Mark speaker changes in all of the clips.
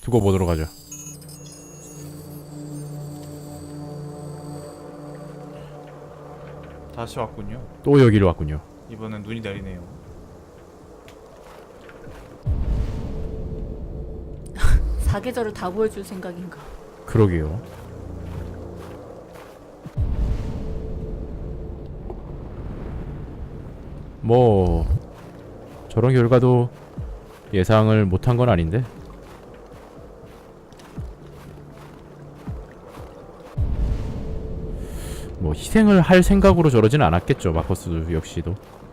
Speaker 1: 두고 보도록 하죠.
Speaker 2: 다시 왔군요.
Speaker 1: 또 여기로 왔군요.
Speaker 2: 이번엔 눈이 내리네요.
Speaker 3: 사계절을 다 보여줄 생각인가?
Speaker 1: 그러게요. 뭐 저런 결과도 예상을 못한 건 아닌데. 뭐 희생을 할 생각으로 저러진 않았겠죠. 마커스 역시도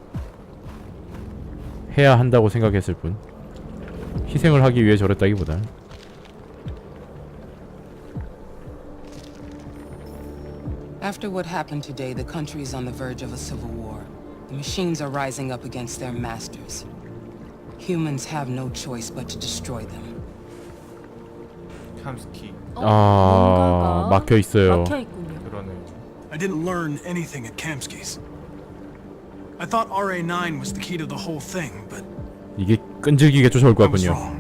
Speaker 1: 해야 한다고 생각했을 뿐 희생을 하기 위해 저랬다기보다는.
Speaker 4: After what happened today, the country is on the verge of a civil war. The machines are rising up against their masters. Humans have no choice but to destroy them.
Speaker 2: 캄스키.
Speaker 1: 아, 막혀 있어요.
Speaker 3: 막혀 있군요.
Speaker 2: 그러네요.
Speaker 5: I didn't learn anything at Kamsky's. I thought RA9 was the key to the whole thing, but
Speaker 1: 이게 끈질기게 쫓아올 것
Speaker 5: I was
Speaker 1: 같군요.
Speaker 5: wrong.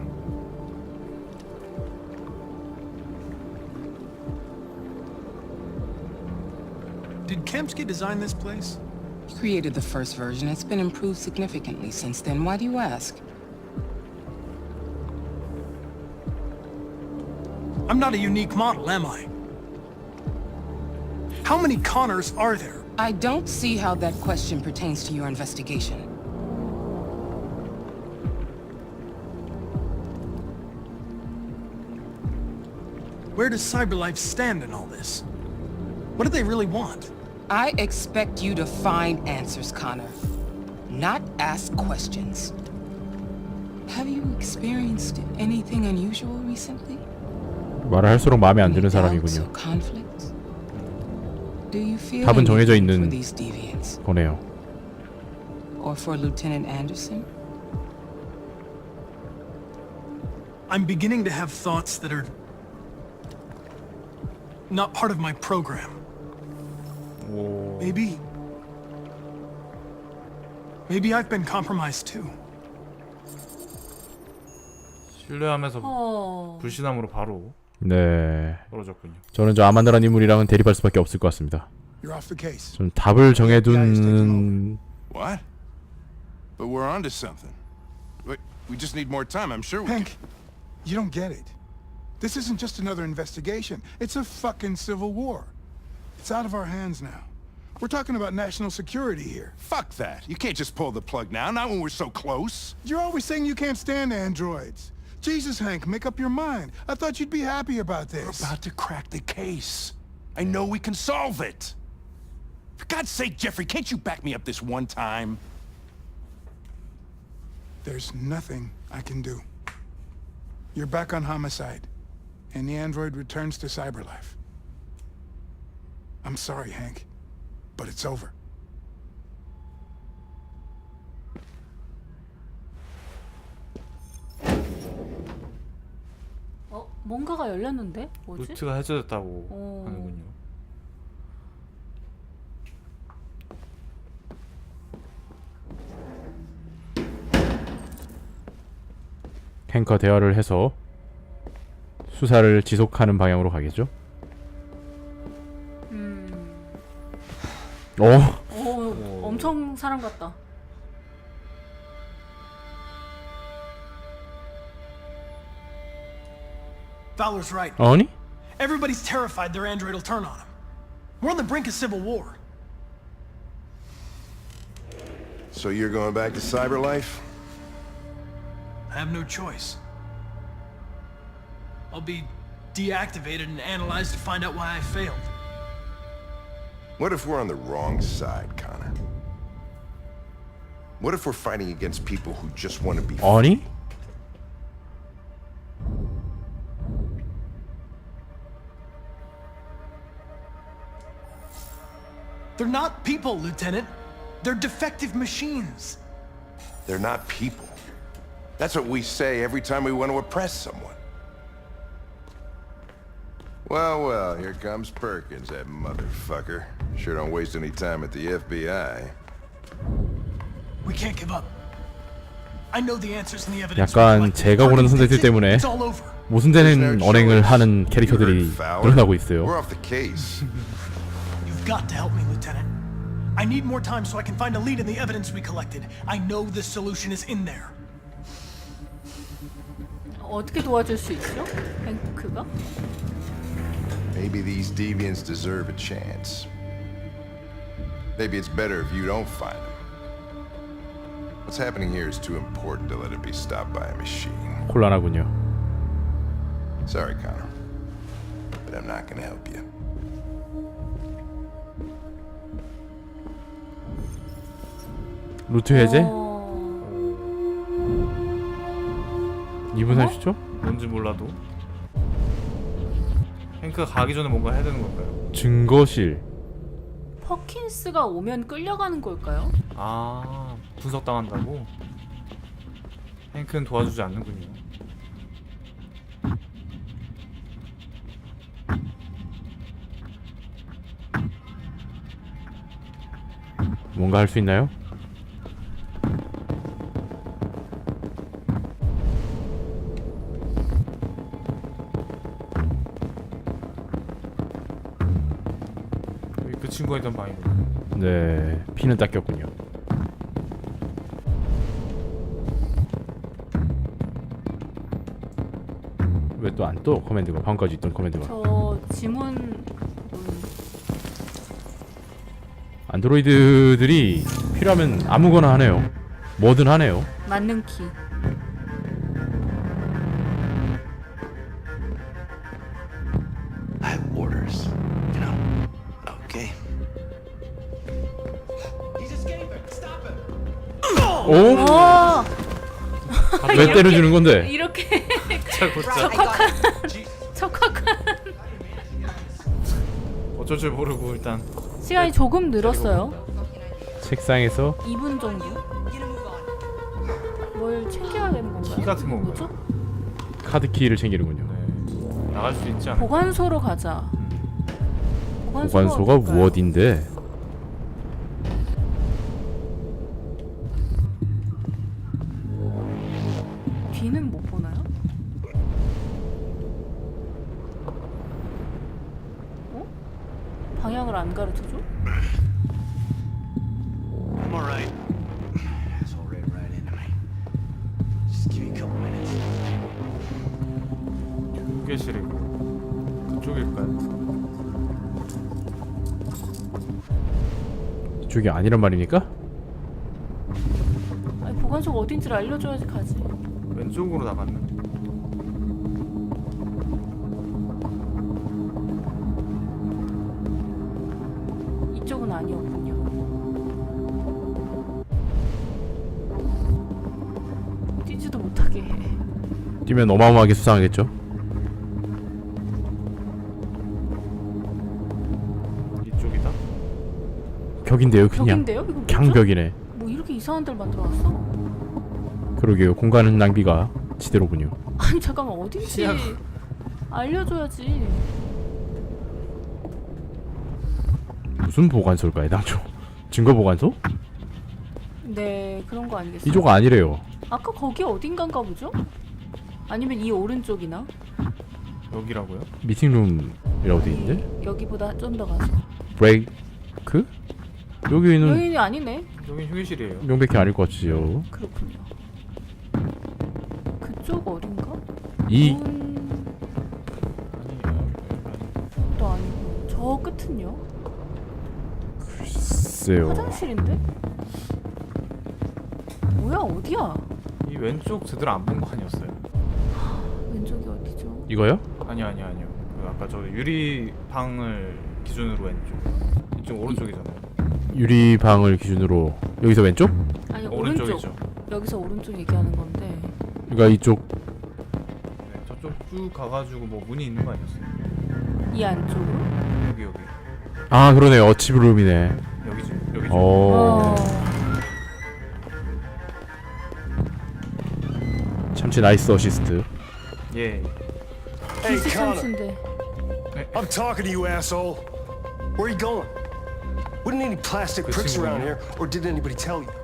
Speaker 5: Did Kamsky design this place?
Speaker 4: He created the first version. It's been improved significantly since then. Why do you ask?
Speaker 5: I'm not a unique model, am I? How many Connors are there?
Speaker 4: I don't see how that question pertains to your investigation.
Speaker 5: Where does CyberLife stand in all this? What do they really want?
Speaker 4: I expect you to find answers, Connor. Not ask questions. Have you experienced anything unusual recently?
Speaker 1: 말을 할수록 마음에 안 드는
Speaker 4: Any doubts
Speaker 1: 사람이군요.
Speaker 4: or conflicts? Do you feel
Speaker 1: 답은 정해져
Speaker 4: anything
Speaker 1: 있는
Speaker 4: for these deviants?
Speaker 1: 거네요.
Speaker 4: Or for Lieutenant Anderson?
Speaker 5: I'm beginning to have thoughts that are not part of my program.
Speaker 2: 오.
Speaker 5: Maybe I've been compromised too.
Speaker 2: 신뢰하면서 불신함으로 바로
Speaker 1: 네,
Speaker 2: 떨어졌군요.
Speaker 1: 저는 저 아만다라는 인물이랑은 대립할 수밖에 없을 것 같습니다.
Speaker 6: You're off the case.
Speaker 1: 좀 답을 정해두는.
Speaker 6: What? But we're onto something. We just need more time. I'm sure we
Speaker 7: Hank, you don't get it. This isn't just another investigation. It's a fucking civil war. It's out of our hands now. We're talking about national security here.
Speaker 6: Fuck that. You can't just pull the plug now, not when we're so close.
Speaker 7: You're always saying you can't stand androids. Jesus, Hank, make up your mind. I thought you'd be happy about
Speaker 6: We're
Speaker 7: this.
Speaker 6: about to crack the case. I know we can solve it. For God's sake, Jeffrey, can't you back me up this one time?
Speaker 7: There's nothing I can do. You're back on homicide, and the android returns to CyberLife. I'm sorry, Hank, but it's over.
Speaker 3: 뭔가가 열렸는데? 뭐지?
Speaker 2: 루트가 해제됐다고 하는군요.
Speaker 1: 탱커 대화를 해서 수사를 지속하는 방향으로 가겠죠?
Speaker 3: 엄청 사람 같다.
Speaker 5: Fowler's right.
Speaker 1: 아니?
Speaker 5: Everybody's terrified their android will turn on them. We're on the brink of civil war.
Speaker 6: So you're going back to CyberLife?
Speaker 5: I have no choice. I'll be deactivated and analyzed to find out why I failed.
Speaker 6: What if we're on the wrong side, Connor? What if we're fighting against people who just want to be
Speaker 1: 아니?
Speaker 5: They're not people, Lieutenant. They're defective machines.
Speaker 6: They're not people. That's what we say every time we want to oppress someone. Well, well, here comes Perkins, that motherfucker. Sure don't waste any time at the FBI.
Speaker 5: We can't give up. I know the answers in the evidence.
Speaker 1: 약간
Speaker 5: reflect
Speaker 1: 제가 고르는
Speaker 5: Perkins
Speaker 1: 선택들
Speaker 5: thinks it.
Speaker 1: 때문에
Speaker 5: It's all over.
Speaker 1: 모순되는 언행을 하는 캐릭터들이 늘어나고 있어요.
Speaker 8: We're off the case.
Speaker 5: You've got to help me, Lieutenant. I need more time so I can find a lead in the evidence we collected. I know the solution is in there.
Speaker 3: 어떻게 도와줄 수 있죠? 뱅크가?
Speaker 8: Maybe these deviants deserve a chance. Maybe it's better if you don't find them. What's happening here is too important to let it be stopped by a machine.
Speaker 1: 곤란하군요.
Speaker 8: Sorry, Connor. But I'm not gonna help you.
Speaker 1: 루트 해제? 2분
Speaker 3: 어?
Speaker 1: 30초?
Speaker 2: 뭔지 몰라도 행크가 가기 전에 뭔가 해야 되는 걸까요?
Speaker 1: 증거실.
Speaker 3: 퍼킨스가 오면 끌려가는 걸까요?
Speaker 2: 아, 분석당한다고? 행크는 도와주지 않는군요.
Speaker 1: 뭔가 할 수 있나요?
Speaker 2: 여기 그 친구가 있던 방이군요.
Speaker 1: 네, 피는 닦였군요. 왜 또 안 떠? 커맨드가 방금까지 있던 커맨드가.
Speaker 3: 저 지문
Speaker 1: 안드로이드들이 필요하면 아무거나 하네요. 뭐든 하네요.
Speaker 3: 맞는 키.
Speaker 6: I have orders. You know. Okay.
Speaker 1: 오?
Speaker 3: 어!
Speaker 1: 왜 때려주는 건데?
Speaker 3: 이렇게
Speaker 2: 진짜
Speaker 3: 척박한
Speaker 2: 어쩔 줄 모르고 일단
Speaker 3: 시간이 조금 늘었어요.
Speaker 1: 책상에서
Speaker 3: 2분 정도. 뭘 챙겨야 되는 건가요?
Speaker 2: 키 같은 건가요?
Speaker 3: 뭐죠?
Speaker 1: 카드키를 챙기는군요.
Speaker 2: 네. 나갈 수 있지 않을까?
Speaker 3: 보관소로 가자.
Speaker 1: 보관소가
Speaker 3: 어딜까요?
Speaker 1: 무엇인데?
Speaker 3: 뒤는 못 보나요? 어? 방향을 안 가르쳐줘?
Speaker 6: I'm alright. Asshole ran right into me. Just give me a couple minutes.
Speaker 2: 휴게실이고 그쪽일까요?
Speaker 1: 이쪽이 아니란 말입니까?
Speaker 3: 아니 보관소가 어딘지를 알려줘야지 가지.
Speaker 2: 왼쪽으로 나갔나?
Speaker 3: 이쪽은 아니었군요. 뛰지도 못하게 해.
Speaker 1: 뛰면 어마어마하게 수상하겠죠?
Speaker 2: 이쪽이다?
Speaker 1: 벽인데요, 그냥.
Speaker 3: 벽인데요? 이거 뭐죠?
Speaker 1: 강벽이네.
Speaker 3: 뭐 이렇게 이상한 데를 만들어놨어?
Speaker 1: 그러게요. 공간 낭비가 지대로군요.
Speaker 3: 아니 잠깐만 어딘지
Speaker 2: 시야가-
Speaker 3: 알려줘야지.
Speaker 1: 무슨 보관소일까요, 당초? 증거 보관소?
Speaker 3: 네 그런 거 아니겠어요?
Speaker 1: 이쪽 아니래요.
Speaker 3: 아까 거기 어딘가인가 보죠? 아니면 이 오른쪽이나?
Speaker 2: 여기라고요?
Speaker 1: 미팅룸이라고 돼 있는데?
Speaker 3: 여기보다 좀 더 가서.
Speaker 1: 브레이크? 여기는
Speaker 3: 여인이 아니네.
Speaker 2: 여긴 휴게실이에요.
Speaker 1: 명백히 아닐 것 같지요.
Speaker 3: 그렇군요. 그쪽 어딘가?
Speaker 1: 이
Speaker 3: 또 아니고 저 끝은요?
Speaker 1: 글쎄요.
Speaker 3: 화장실인데? 뭐야 어디야?
Speaker 2: 이 왼쪽 제대로 안 본 거 아니었어요?
Speaker 3: 왼쪽이 어디죠?
Speaker 1: 이거요?
Speaker 2: 아니요. 그 아까 저 유리방을 기준으로 왼쪽. 이쪽 오른쪽이잖아요.
Speaker 1: 유리방을 기준으로 여기서 왼쪽?
Speaker 3: 아니 오른쪽.
Speaker 2: 오른쪽이죠.
Speaker 3: 여기서 오른쪽 얘기하는 건데.
Speaker 1: 그러니까 이쪽
Speaker 2: 네, 저쪽 쭉 가가지고 뭐 문이 있는 거 아니었어요?
Speaker 3: 이 안쪽으로?
Speaker 2: 여기.
Speaker 1: 아 그러네 어치브룸이네.
Speaker 2: 여기죠. 여기죠.
Speaker 1: 어 참치 나이스 어시스트.
Speaker 2: 예.
Speaker 5: Hey,
Speaker 3: 기스
Speaker 5: Connor.
Speaker 3: 참치인데.
Speaker 5: I'm talking to you, asshole. Where are you going? Wouldn't any plastic
Speaker 2: Good
Speaker 5: pricks
Speaker 2: seeing
Speaker 5: around
Speaker 2: you.
Speaker 5: here, or did anybody tell you?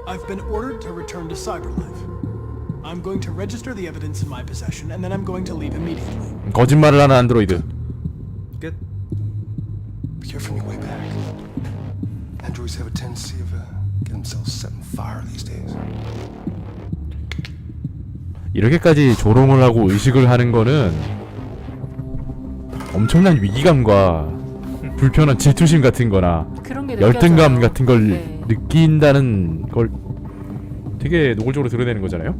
Speaker 5: I've been ordered to return to Cyberlife. I'm going to register the evidence in my possession, and then I'm going to leave immediately.
Speaker 1: 거짓말을 하는 안드로이드.
Speaker 2: 끝.
Speaker 9: But you're from your way back. Androids have a tendency of get themselves set on fire these days.
Speaker 1: 이렇게까지 조롱을 하고 의식을 하는 거는 엄청난 위기감과 불편한 질투심 같은 거나
Speaker 3: 그런 게
Speaker 1: 열등감
Speaker 3: 느껴져요.
Speaker 1: 같은 걸
Speaker 3: 네.
Speaker 1: 느낀다는 걸 되게 노골적으로 드러내는 거잖아요.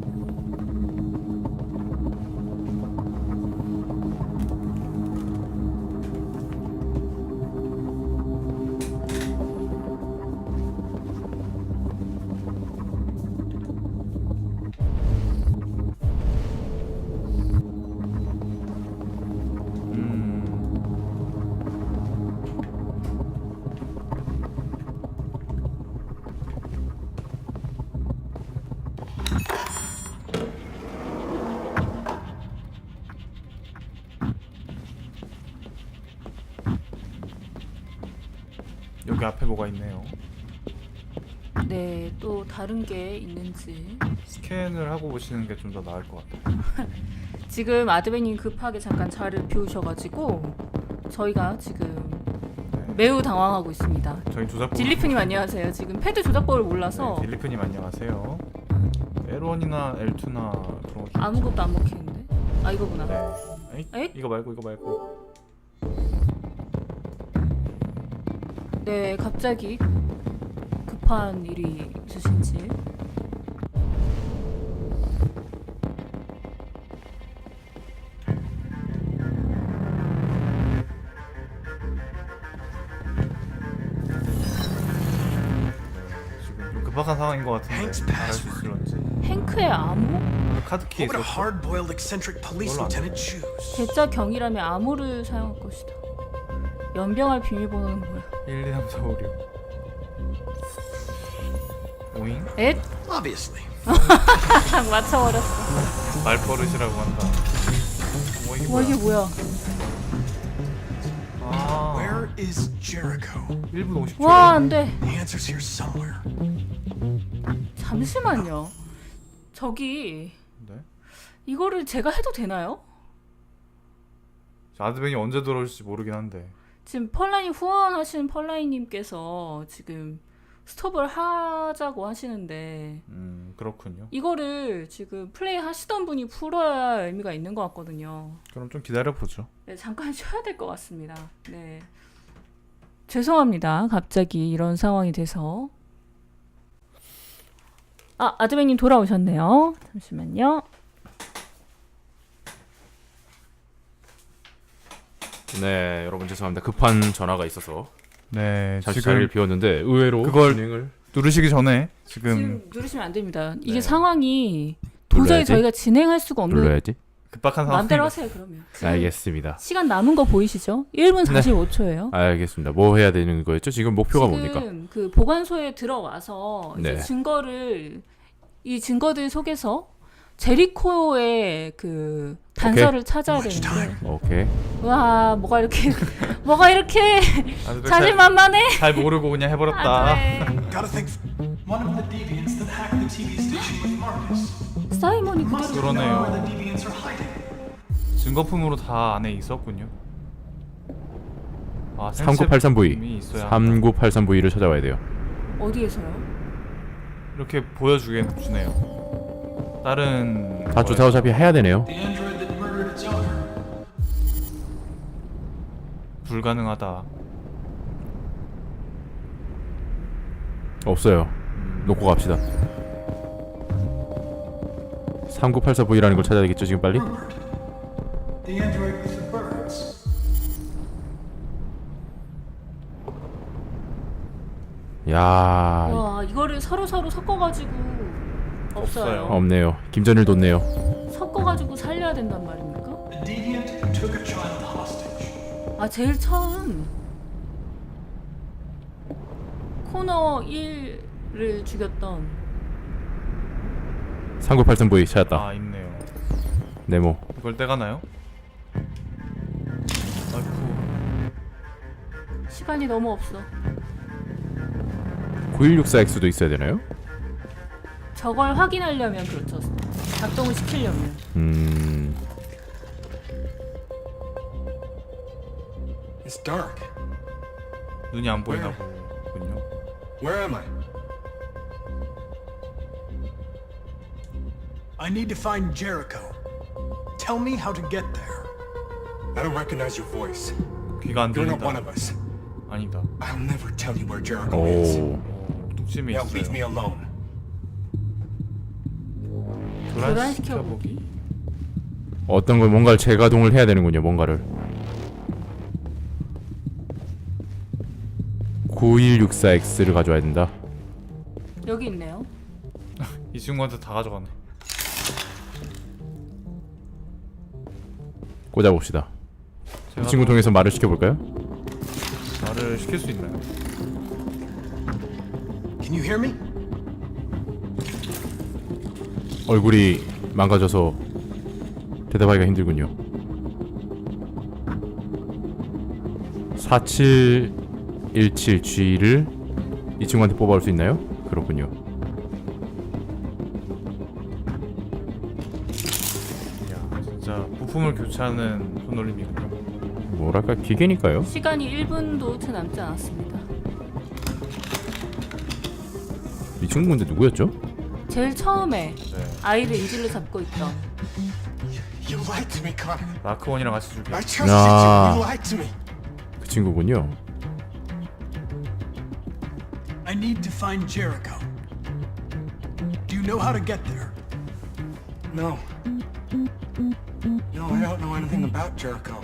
Speaker 2: 여기 앞에 뭐가 있네요.
Speaker 3: 네, 또 다른 게 있는지.
Speaker 2: 스캔을 하고 보시는 게 좀 더 나을 것 같아요.
Speaker 3: 지금 아드베님 급하게 잠깐 자리를 비우셔가지고 저희가 지금 매우 당황하고 있습니다.
Speaker 2: 저희 조작법.
Speaker 3: 딜리프님 안녕하세요. 지금 패드 조작법을 몰라서
Speaker 2: 네, 딜리프님 안녕하세요. L1이나 L2나 그런 거 좀.
Speaker 3: 아무것도 안 먹히는데. 아 이거구나.
Speaker 2: 네.
Speaker 3: 에잇?
Speaker 2: 이거 말고.
Speaker 3: 네, 갑자기 급한 일이 있으신지.
Speaker 2: 지금 좀 급박한 상황인 것 같은데
Speaker 5: Hank's
Speaker 2: 잘할 수
Speaker 5: password.
Speaker 2: 있을런지.
Speaker 3: 행크의 암호?
Speaker 2: 카드키
Speaker 5: What would a
Speaker 2: 있었어.
Speaker 5: hard-boiled eccentric police
Speaker 2: Hold on.
Speaker 5: lieutenant choose?
Speaker 3: 대짜 경이라면 암호를 사용할 것이다. 연병할 비밀번호는 뭐야?
Speaker 2: 1, 2, 3, 4, 5, 6. 오잉?
Speaker 3: 엣?
Speaker 5: Obviously.
Speaker 3: 딱 맞춰버렸어.
Speaker 2: 말버릇이라고 한다. 뭐 이게
Speaker 3: 와
Speaker 2: 뭐야?
Speaker 3: 이게 뭐야?
Speaker 2: 아,
Speaker 5: Where is Jericho?
Speaker 2: 1분 50초.
Speaker 3: 와 안돼.
Speaker 5: The answer's here somewhere.
Speaker 3: 잠시만요. 저기
Speaker 2: 네?
Speaker 3: 이거를 제가 해도 되나요?
Speaker 2: 아드벤이 언제 들어올지 모르긴 한데.
Speaker 3: 지금 펄라인 후원하시는 펄라인님께서 지금 스톱을 하자고 하시는데
Speaker 2: 그렇군요.
Speaker 3: 이거를 지금 플레이 하시던 분이 풀어야 의미가 있는 것 같거든요.
Speaker 2: 그럼 좀 기다려 보죠.
Speaker 3: 네, 잠깐 쉬어야 될 것 같습니다. 네, 죄송합니다. 갑자기 이런 상황이 돼서. 아, 아드백님 돌아오셨네요. 잠시만요.
Speaker 1: 네, 여러분 죄송합니다. 급한 전화가 있어서
Speaker 2: 네,
Speaker 1: 잠시 자리를 비웠는데 의외로
Speaker 2: 그걸
Speaker 1: 진행을
Speaker 2: 누르시기 전에 지금
Speaker 3: 지금 누르시면 안 됩니다. 이게
Speaker 2: 네.
Speaker 3: 상황이 도저히
Speaker 1: 눌러야지?
Speaker 3: 저희가 진행할 수가 없는.
Speaker 1: 눌러야지.
Speaker 2: 급박한 상황.
Speaker 3: 마음대로 하세요 그러면.
Speaker 1: 알겠습니다.
Speaker 3: 시간 남은 거 보이시죠? 1분 45초예요.
Speaker 1: 알겠습니다. 뭐 해야 되는 거였죠? 지금 목표가 뭡니까?
Speaker 3: 지금 그 보관소에 들어와서 이제
Speaker 1: 네.
Speaker 3: 이 증거들 속에서 제리코의 그 단서를 찾아야 되는데.
Speaker 1: 오케이.
Speaker 3: 와 뭐가 이렇게 뭐가 이렇게
Speaker 2: 아드벤
Speaker 3: 자신만만해.
Speaker 2: 잘 모르고 그냥 해버렸다.
Speaker 5: Gotta think. One of the deviants that hacked the TV station with Marcus.
Speaker 3: 사이먼이
Speaker 5: Must
Speaker 3: 그대로.
Speaker 5: know where
Speaker 2: 그러네요.
Speaker 5: the deviants are hiding.
Speaker 2: 증거품으로 다 안에 있었군요. 아,
Speaker 1: 3983V.
Speaker 2: 있어야 한다.
Speaker 1: 3983V를 찾아와야 돼요.
Speaker 3: 어디에서요?
Speaker 2: 이렇게 보여주네요. 다른
Speaker 1: 다 조사 어차피 해야 되네요.
Speaker 5: The android that murdered its owner.
Speaker 2: 불가능하다.
Speaker 1: 없어요. 놓고 갑시다. 3984V라는 걸 찾아야 되겠죠, 지금 빨리?
Speaker 5: Rupert. The android with the birds.
Speaker 1: 야,
Speaker 3: 와 이거를 서로 섞어가지고 없어요.
Speaker 1: 없네요. 김전일 뒀네요.
Speaker 3: 섞어가지고 살려야 된단 말입니까?
Speaker 5: The deviant who took a child hostage.
Speaker 3: 아 제일 처음 코너 1을 죽였던
Speaker 1: 3983V 찾았다.
Speaker 2: 아, 있네요.
Speaker 1: 네모.
Speaker 2: 이걸 떼가나요? 아이쿠.
Speaker 3: 시간이 너무 없어.
Speaker 1: 9164X도 있어야 되나요?
Speaker 3: 저걸 확인하려면 그렇죠. 작동을 시키려면.
Speaker 9: It's dark.
Speaker 2: 눈이 안 보이나 보군요.
Speaker 9: Where am I?
Speaker 5: I need to find Jericho. Tell me how to get there.
Speaker 9: I don't recognize your voice.
Speaker 2: 귀가 안
Speaker 9: You're not one
Speaker 2: 들린다.
Speaker 9: of us.
Speaker 2: 아니다.
Speaker 9: I'll never tell you where Jericho is.
Speaker 1: 오.
Speaker 2: 뚝심이
Speaker 9: Now leave me
Speaker 2: 있어요.
Speaker 9: alone.
Speaker 2: 교란시켜보기.
Speaker 1: 어떤 걸 뭔가를 재가동을 해야 되는군요. 뭔가를. 9164X를 가져와야 된다.
Speaker 3: 여기 있네요.
Speaker 2: 이 친구한테 다 가져가네.
Speaker 1: 꽂아봅시다. 이
Speaker 2: 제가
Speaker 1: 친구 통해서 말을 시켜볼까요?
Speaker 2: 말을 시킬 수 있나요?
Speaker 5: Can you hear me?
Speaker 1: 얼굴이 망가져서 대답하기가 힘들군요. 4717G를 이 친구한테 뽑아올 수 있나요? 그렇군요.
Speaker 2: 이야, 진짜 부품을 교체하는 손놀림이군요.
Speaker 1: 뭐랄까 기계니까요.
Speaker 3: 시간이 1분도 채 남지 않았습니다.
Speaker 1: 이 친구 근데 누구였죠?
Speaker 3: 제일 처음에
Speaker 2: 네.
Speaker 3: 아이를 인질로 잡고 있던
Speaker 9: You lied to me, Connor.
Speaker 2: 마크원이랑 같이 죽여.
Speaker 9: I trusted
Speaker 1: 야.
Speaker 9: you. You lied to me.
Speaker 1: 그 친구군요.
Speaker 5: I need to find Jericho. Do you know how to get there?
Speaker 9: No. No, I don't know anything about Jericho.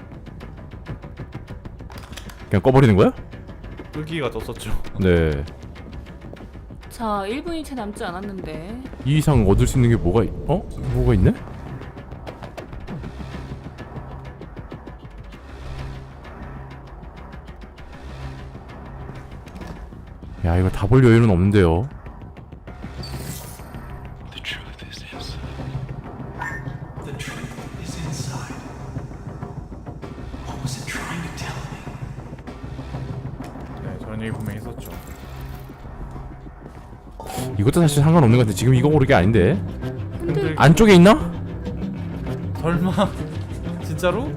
Speaker 1: 그냥 꺼버리는 거야?
Speaker 2: 끄기가 떴었죠.
Speaker 1: 네.
Speaker 3: 자 1분이 채 남지 않았는데
Speaker 1: 이 이상 얻을 수 있는 게 뭐가 뭐가 있네? 야 이거 다 볼 여유는 없는데요.
Speaker 9: The truth is inside.
Speaker 5: The truth is inside. What was it trying to tell me?
Speaker 2: 네, 저런 얘기 분명히 했었죠.
Speaker 1: 이것도 사실 상관없는 것 같아. 지금 이거 고를 게 아닌데.
Speaker 3: 근데
Speaker 1: 안쪽에 있나?
Speaker 2: 설마 진짜로?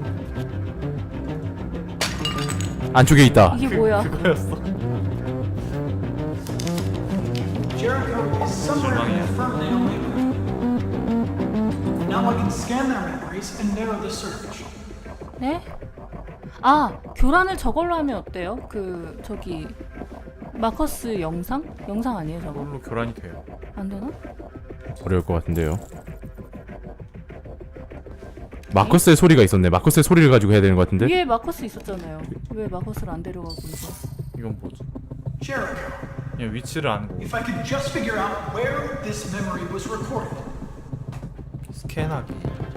Speaker 1: 안쪽에 있다.
Speaker 3: 이게 뭐야?
Speaker 2: 그거였어.
Speaker 5: Jericho is somewhere in the Ferndale neighborhood. Now I can scan their memories and narrow the search.
Speaker 3: 네? 아 교란을 저걸로 하면 어때요? 그 저기 마커스 영상? 영상 아니에요 저거?
Speaker 2: 그걸로 교란이 돼요.
Speaker 3: 안 되나?
Speaker 1: 어려울 것 같은데요. 마커스의 소리가 있었네. 마커스의 소리를 가지고 해야 되는 것 같은데.
Speaker 3: 위에 마커스 있었잖아요. 왜 마커스를 안 데려가고 이거?
Speaker 2: 이건 뭐지?
Speaker 5: Jericho.
Speaker 2: 그냥 위치를 아는 거고.
Speaker 5: If I could just figure out where this memory was recorded.
Speaker 2: 스캔하기.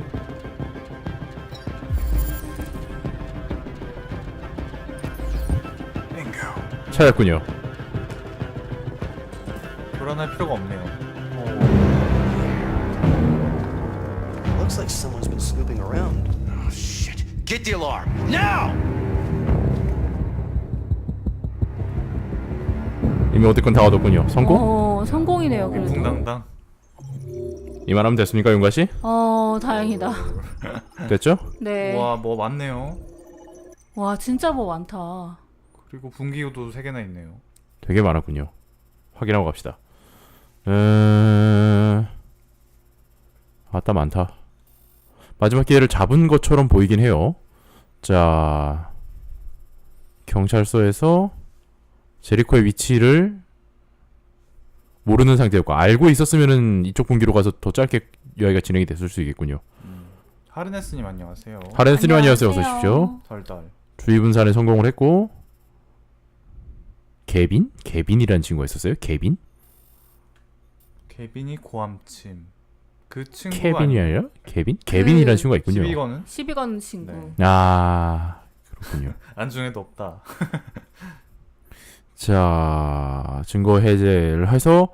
Speaker 5: Bingo.
Speaker 1: 찾았군요.
Speaker 2: 교란할 필요가 없네요.
Speaker 10: Looks like someone's been snooping around.
Speaker 6: Oh, shit. Get the alarm. Now!
Speaker 1: 이미 얻을 건 다 얻었군요. 성공?
Speaker 3: 성공이네요 그래도.
Speaker 2: 붕당당.
Speaker 1: 이만하면 됐습니까, 용가 씨?
Speaker 3: 다행이다.
Speaker 1: 됐죠?
Speaker 3: 네.
Speaker 2: 와, 뭐 많네요.
Speaker 3: 와 진짜 뭐 많다.
Speaker 2: 그리고 분기구도 3개나 있네요.
Speaker 1: 되게 많았군요. 확인하고 갑시다. 아따 많다. 마지막 기회를 잡은 것처럼 보이긴 해요. 자, 경찰서에서 제리코의 위치를 모르는 상태였고 알고 있었으면은 이쪽 분기로 가서 더 짧게 이야기가 진행이 됐을 수 있겠군요.
Speaker 2: 하르네스님 안녕하세요.
Speaker 1: 하렌스님 안녕하세요. 어서 오십시오.
Speaker 2: 덜덜.
Speaker 1: 주의 분산에 성공을 했고 개빈? 개빈이라는 친구가 있었어요? 개빈?
Speaker 2: 케빈이 고함침. 그 친구가
Speaker 1: 케빈이 아니라? 개빈? 개빈이라는 친구가 있군요.
Speaker 2: 12건은
Speaker 3: 12건 친구.
Speaker 2: 네.
Speaker 1: 아 그렇군요.
Speaker 2: 안중에도 없다.
Speaker 1: 자 증거 해제를 해서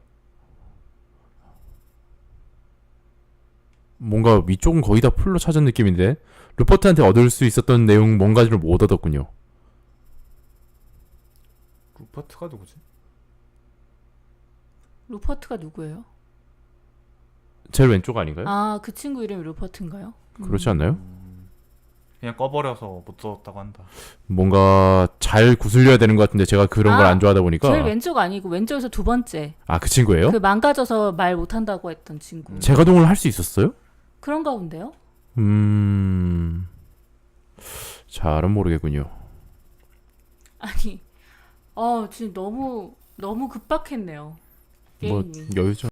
Speaker 1: 뭔가 위쪽은 거의 다 풀로 찾은 느낌인데 루퍼트한테 얻을 수 있었던 내용 뭔가를 못 얻었군요.
Speaker 2: 루퍼트가 누구지?
Speaker 3: 루퍼트가 누구예요?
Speaker 1: 제일 왼쪽 아닌가요?
Speaker 3: 아, 그 친구 이름이 루퍼트인가요?
Speaker 1: 그렇지 않나요?
Speaker 2: 그냥 꺼버려서 못 썼다고 한다.
Speaker 1: 뭔가 잘 구슬려야 되는 것 같은데 제가 그런 걸
Speaker 3: 아,
Speaker 1: 안 좋아하다 보니까.
Speaker 3: 제일 왼쪽 아니고 왼쪽에서 두 번째.
Speaker 1: 아, 그 친구예요?
Speaker 3: 그 망가져서 말 못한다고 했던 친구.
Speaker 1: 재가동을 할 수 있었어요?
Speaker 3: 그런가 본데요?
Speaker 1: 잘은 모르겠군요.
Speaker 3: 아니, 지금 너무 급박했네요.
Speaker 1: 뭐
Speaker 3: 게임이.
Speaker 1: 여유죠.